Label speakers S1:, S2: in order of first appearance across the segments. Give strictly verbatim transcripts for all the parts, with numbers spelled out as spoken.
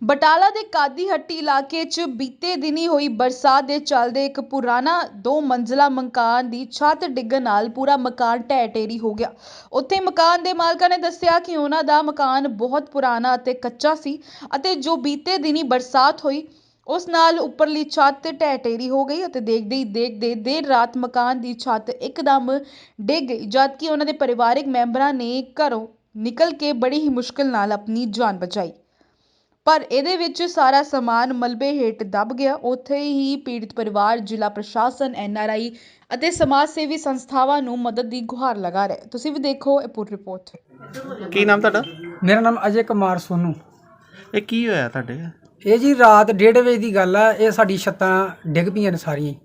S1: ਬਟਾਲਾ ਦੇ ਕਾਦੀ ਹੱਟੀ ਇਲਾਕੇ 'ਚ ਬੀਤੇ ਦਿਨੀ ਹੋਈ ਬਰਸਾਤ ਦੇ ਚੱਲਦੇ ਇੱਕ ਪੁਰਾਣਾ ਦੋ ਮੰਜ਼ਿਲਾ ਮਕਾਨ ਦੀ ਛੱਤ ਡਿੱਗਣ ਨਾਲ ਪੂਰਾ ਮਕਾਨ ਢਹਿ ਢੇਰੀ ਹੋ ਗਿਆ। ਉੱਥੇ ਮਕਾਨ ਦੇ ਮਾਲਕਾਂ ਨੇ ਦੱਸਿਆ ਕਿ ਉਹਨਾਂ ਦਾ ਮਕਾਨ ਬਹੁਤ ਪੁਰਾਣਾ ਅਤੇ ਕੱਚਾ ਸੀ ਅਤੇ ਜੋ ਬੀਤੇ ਦਿਨੀ ਬਰਸਾਤ ਹੋਈ ਉਸ ਨਾਲ ਉੱਪਰਲੀ ਛੱਤ ਢਹਿ ਢੇਰੀ ਹੋ ਗਈ ਅਤੇ ਦੇਖਦੇ ਹੀ ਦੇਖਦੇ ਦੇਰ ਰਾਤ ਮਕਾਨ ਦੀ ਛੱਤ ਇੱਕਦਮ ਡਿੱਗ ਗਈ, ਜਦਕਿ ਉਹਨਾਂ ਦੇ ਪਰਿਵਾਰਕ ਮੈਂਬਰਾਂ ਨੇ ਘਰੋਂ ਨਿਕਲ ਕੇ ਬੜੀ ਹੀ ਮੁਸ਼ਕਿਲ ਨਾਲ ਆਪਣੀ ਜਾਨ ਬਚਾਈ। ਪਰ ਇਹਦੇ ਵਿੱਚ ਸਾਰਾ ਸਮਾਨ ਮਲਬੇ ਹੇਠ ਦਬ ਗਿਆ। ਉੱਥੇ ਹੀ ਪੀੜਤ ਪਰਿਵਾਰ ਜ਼ਿਲ੍ਹਾ ਪ੍ਰਸ਼ਾਸਨ, ਐਨ ਆਰ ਆਈ ਅਤੇ ਸਮਾਜ ਸੇਵੀ ਸੰਸਥਾਵਾਂ ਨੂੰ ਮਦਦ ਦੀ ਗੁਹਾਰ ਲਗਾ ਰਿਹਾ। ਤੁਸੀਂ ਵੀ ਦੇਖੋ ਇਹ ਪੂਰੀ ਰਿਪੋਰਟ।
S2: ਕੀ ਨਾਮ ਤੁਹਾਡਾ?
S3: ਮੇਰਾ ਨਾਮ ਅਜੇ ਕੁਮਾਰ ਸੋਨੂ।
S2: ਇਹ ਕੀ ਹੋਇਆ ਤੁਹਾਡੇ?
S3: ਇਹ ਜੀ ਰਾਤ ਡੇਢ ਵਜੇ ਦੀ ਗੱਲ ਆ। ਇਹ ਸਾਡੀ ਛੱਤਾਂ ਡਿੱਗ ਪਈਆਂ ਨੇ ਸਾਰੀਆਂ।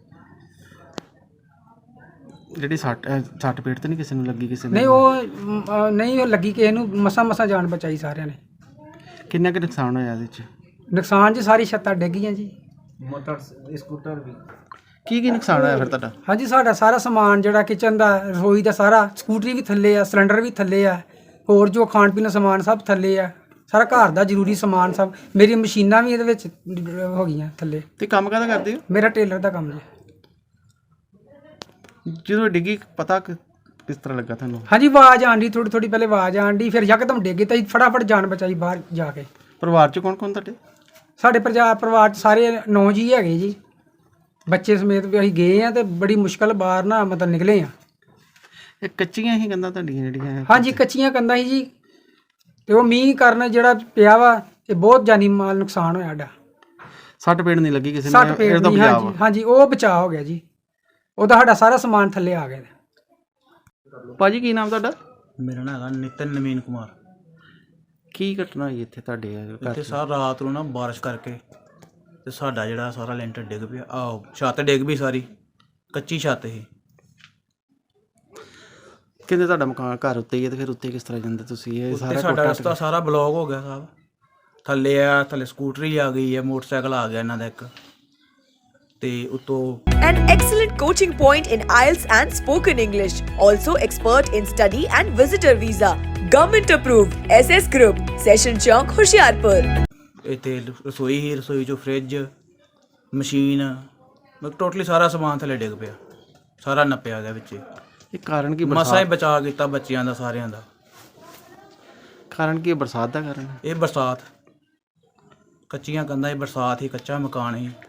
S2: ਜਿਹੜੀ ਸੱਟ ਸੱਟ ਪੇਟ ਤੇ ਨਹੀਂ ਕਿਸੇ ਨੂੰ ਲੱਗੀ? ਕਿਸੇ ਨੂੰ
S3: ਨਹੀਂ ਉਹ ਮ, ਅ, ਨਹੀਂ ਉਹ ਲੱਗੀ ਕਿਸੇ ਨੂੰ। ਮਸਾਂ ਮਸਾਂ ਜਾਨ ਬਚਾਈ ਸਾਰਿਆਂ ਨੇ।
S2: ਕਿੰਨਾ ਕੁ ਨੁਕਸਾਨ ਹੋਇਆ ਇਹਦੇ 'ਚ?
S3: ਨੁਕਸਾਨ ਜੀ ਸਾਰੀ ਛੱਤਾਂ ਡਿੱਗ ਗਈਆਂ ਜੀ।
S2: ਮੋਟਰ ਸਕੂਟਰ ਵੀ। ਕੀ ਕੀ ਨੁਕਸਾਨ ਹੋਇਆ ਫਿਰ ਤੁਹਾਡਾ?
S3: ਹਾਂਜੀ, ਸਾਡਾ ਸਾਰਾ ਸਮਾਨ ਜਿਹੜਾ ਕਿਚਨ ਦਾ, ਰਸੋਈ ਦਾ ਸਾਰਾ, ਸਕੂਟਰੀ ਵੀ ਥੱਲੇ ਆ, ਸਿਲੰਡਰ ਵੀ ਥੱਲੇ ਆ, ਹੋਰ ਜੋ ਖਾਣ ਪੀਣ ਦਾ ਸਮਾਨ ਸਭ ਥੱਲੇ ਆ, ਸਾਰਾ ਘਰ ਦਾ ਜ਼ਰੂਰੀ ਸਮਾਨ ਸਭ। ਮੇਰੀ ਮਸ਼ੀਨਾਂ ਵੀ ਇਹਦੇ ਵਿੱਚ ਹੋ ਗਈਆਂ ਥੱਲੇ।
S2: ਤੇ ਕੰਮ ਕਾਹਦਾ ਕਰਦੇ ਹੋ?
S3: ਮੇਰਾ ਟੇਲਰ ਦਾ ਕੰਮ ਜੀ।
S2: ਜਦੋਂ ਡਿੱਗੀ ਪਤਾ ਕਿ- ਕਿਸ ਤਰ੍ਹਾਂ ਲੱਗਾ ਤੁਹਾਨੂੰ?
S3: ਹਾਂਜੀ, ਆਵਾਜ਼ ਆਂਦੀ, ਥੋੜੀ ਥੋੜੀ ਪਹਿਲੇ ਆਵਾਜ਼ ਆਂਦੀ, ਫਿਰ ਯਕਦਮ ਡਿੱਗ ਗਈ ਤਾਂ ਅਸੀਂ ਫਟਾਫਟ ਜਾਨ ਬਚਾਈ ਬਾਹਰ ਜਾ ਕੇ।
S2: ਪਰਿਵਾਰ 'ਚ ਕੌਣ ਕੌਣ ਤੁਹਾਡੇ?
S3: ਸਾਡੇ ਪਰਿਵਾਰ ਪਰਿਵਾਰ 'ਚ ਸਾਰੇ ਨੌ ਜੀ ਹੈਗੇ ਜੀ, ਬੱਚੇ ਸਮੇਤ ਵੀ ਅਸੀਂ ਗਏ ਆ ਤੇ ਬੜੀ ਮੁਸ਼ਕਲ ਬਾਹਰ ਨਾ ਮਤਲਬ ਨਿਕਲੇ ਆ।
S2: ਇਹ ਕੱਚੀਆਂ ਹੀ ਕੰਧਾਂ ਤੁਹਾਡੀਆਂ ਜਿਹੜੀਆਂ?
S3: ਹਾਂਜੀ, ਕੱਚੀਆਂ ਕੰਧਾਂ ਸੀ ਜੀ। ਤੇ ਉਹ ਮੀਂਹ ਕਾਰਨ ਜਿਹੜਾ ਪਿਆ ਵਾ ਇਹ ਬਹੁਤ ਜਾਨੀ ਮਾਲ ਨੁਕਸਾਨ ਹੋਇਆ ਸਾਡਾ।
S2: ਸੱਟ ਪੇਟ ਨਹੀਂ ਲੱਗੀ ਕਿਸੇ
S3: ਸੱਟ
S2: ਨੂੰ?
S3: ਪੇਟ
S2: ਇਹਦਾ
S3: ਨਹੀਂ।
S2: ਬਚਾਅ
S3: ਹਾਂਜੀ
S2: ਵਾ।
S3: ਹਾਂਜੀ, ਉਹ ਬਚਾਅ ਹੋ ਗਿਆ ਜੀ। ਉਹਦਾ ਸਾਡਾ ਸਾਰਾ ਸਮਾਨ ਥੱਲੇ ਆ ਗਿਆ।
S2: ਭਾਜੀ ਕੀ ਨਾਮ ਤੁਹਾਡਾ?
S4: ਮੇਰਾ ਨਾਮ ਹੈਗਾ ਨਿਤਨ ਨਵੀਨ ਕੁਮਾਰ।
S2: ਕੀ ਘਟਨਾ ਹੋਈ ਇੱਥੇ ਤੁਹਾਡੇ ਘਰ
S4: ਇੱਥੇ
S2: 'ਚ?
S4: ਸਾਰ ਰਾਤ ਨੂੰ ਨਾ ਬਾਰਿਸ਼ ਕਰਕੇ ਤੇ ਸਾਡਾ ਜਿਹੜਾ ਸਾਰਾ ਲੈਂਟਰ ਡਿੱਗ ਪਿਆ। ਆਹੋ, ਛੱਤ ਡਿੱਗ ਪਈ ਸਾਰੀ, ਕੱਚੀ ਛੱਤ ਸੀ।
S2: ਕਹਿੰਦੇ ਤੁਹਾਡਾ ਮਕਾਨ ਘਰ ਉੱਤੇ ਹੀ ਹੈ ਤੇ ਫਿਰ ਉੱਤੇ ਕਿਸ ਤਰ੍ਹਾਂ ਜਾਂਦੇ ਤੁਸੀਂ? ਇਹ
S4: ਉੱਤੇ
S2: ਸਾਰਾ
S4: ਸਾਡਾ
S2: ਟੁੱਟ
S4: ਰਸਤਾ ਸਾਰਾ ਬਲੌਕ ਹੋ ਗਿਆ ਸਾਹਿਬ। ਥੱਲੇ ਆ, ਥੱਲੇ ਸਕੂਟਰੀ ਆ ਗਈ ਹੈ, ਮੋਟਰਸਾਈਕਲ ਆ ਗਿਆ ਇਹਨਾਂ ਦਾ ਇੱਕ, ਤੇ ਉੱਤੋਂ
S5: An excellent coaching point in I E L T S and spoken English. Also expert in study and visitor visa. Government approved. S S Group. Session Chowk, Hoshiarpur.
S4: ਇੱਥੇ ਰਸੋਈ ਹੀ, ਰਸੋਈ 'ਚੋਂ ਫਰਿੱਜ, ਮਸ਼ੀਨ, ਮਤਲਬ ਟੋਟਲੀ ਸਾਰਾ ਸਮਾਨ ਥੱਲੇ ਡਿੱਗ ਪਿਆ, ਸਾਰਾ ਨੱਪਿਆ ਗਿਆ ਵਿੱਚ।
S2: ਇਹ ਕਾਰਨ ਕੀ?
S4: ਮਸਾਂ ਹੀ
S2: ਬਰਸਾਤ?
S4: ਬਚਾ ਕੀਤਾ ਬੱਚਿਆਂ ਦਾ, ਸਾਰਿਆਂ ਦਾ।
S2: ਕਾਰਨ ਕੀ? ਬਰਸਾਤ ਦਾ ਕਾਰਨ?
S4: ਇਹ ਬਰਸਾਤ, ਕੱਚੀਆਂ ਕੰਧਾਂ ਹੀ, ਬਰਸਾਤ ਹੀ, ਕੱਚਾ ਮਕਾਨ ਹੀ।